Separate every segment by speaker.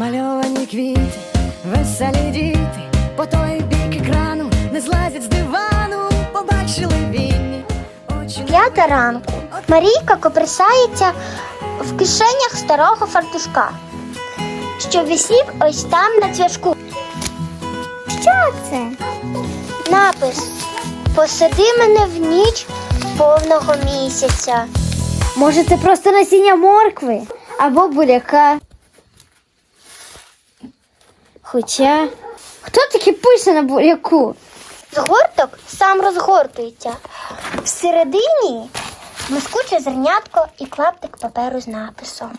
Speaker 1: Намальовані квіти, веселі діти, по той бік екрану не злазять з дивану, побачили вільні очі.
Speaker 2: 5 ранку. Марійка копирсається в кишенях старого фартушка, що висів ось там на цвяшку. Що це? Напис: «Посади мене в ніч повного місяця».
Speaker 3: Може, це просто насіння моркви або буряка. Хоча, хто таки пише на буряку?
Speaker 2: Згорток сам розгортується. Всередині блискуче зернятко і клаптик паперу з написом.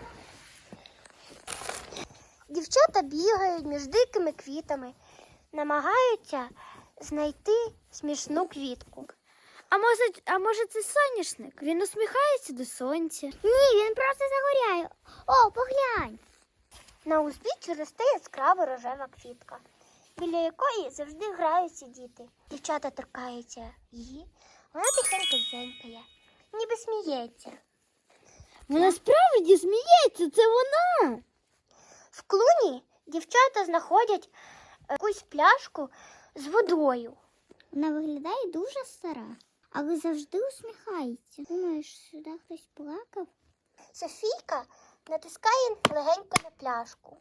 Speaker 2: Дівчата бігають між дикими квітами, намагаються знайти смішну квітку.
Speaker 3: А може це соняшник? Він усміхається до сонця.
Speaker 2: Ні, він просто загоряє. О, поглянь! На узбіччі росте яскрава рожева квітка, біля якої завжди граються діти. Дівчата торкаються її, вона тихенько дзенькає, ніби сміється.
Speaker 3: Вона справді сміється, це вона.
Speaker 2: В клуні дівчата знаходять якусь пляшку з водою.
Speaker 4: Вона виглядає дуже стара, але завжди усміхається. Думаєш, сюди хтось плакав?
Speaker 2: Софійка натискає легенько на пляшку.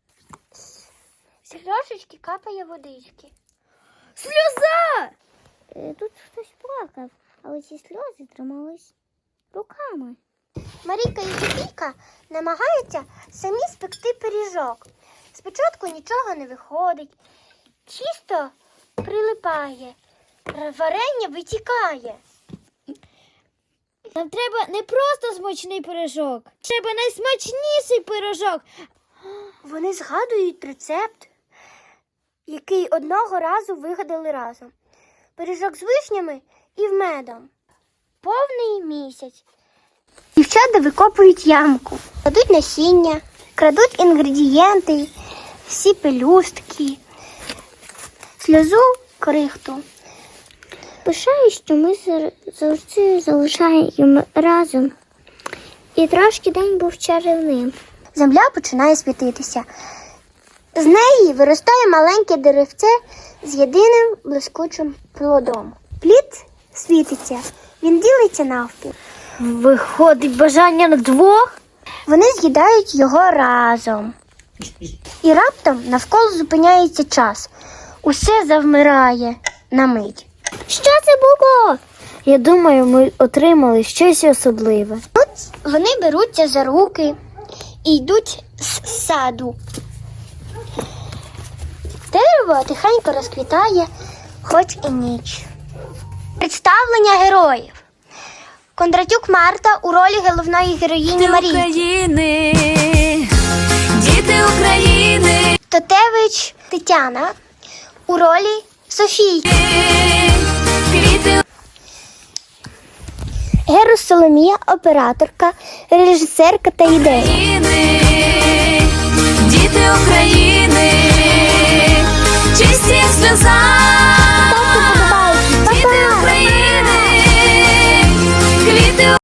Speaker 2: З пляшечки капає водички.
Speaker 3: Сльоза!
Speaker 4: Тут хтось плакав, але ці сльози тримались руками.
Speaker 2: Марійка і Софійка намагаються самі спекти пиріжок. Спочатку нічого не виходить, чисто прилипає, варення витікає.
Speaker 3: Нам треба не просто смачний пиріжок, треба найсмачніший пиріжок.
Speaker 2: Вони згадують рецепт, який одного разу вигадали разом. Пиріжок з вишнями і медом. Повний місяць. Дівчата викопують ямку, кладуть насіння, крадуть інгредієнти, всі пелюстки, сльозу, крихту.
Speaker 4: Пишаю, що ми завжди залишаємо разом. І трошки день був чарівним.
Speaker 2: Земля починає світитися. З неї виростає маленьке деревце з єдиним блискучим плодом. Плід світиться, він ділиться навпіл.
Speaker 3: Виходить бажання на двох?
Speaker 2: Вони з'їдають його разом. І раптом навколо зупиняється час. Усе завмирає на мить.
Speaker 3: Що це було? Я думаю, ми отримали щось особливе.
Speaker 2: Тут вони беруться за руки і йдуть з саду. Дерево тихенько розквітає, хоч і ніч. Представлення героїв. Кондратюк Марта у ролі головної героїні Марії.
Speaker 1: України, діти України.
Speaker 2: Тотевич Тетяна у ролі Софії.
Speaker 1: Квіти.
Speaker 2: Герус Соломія, операторка, режисерка та ідея.
Speaker 1: України.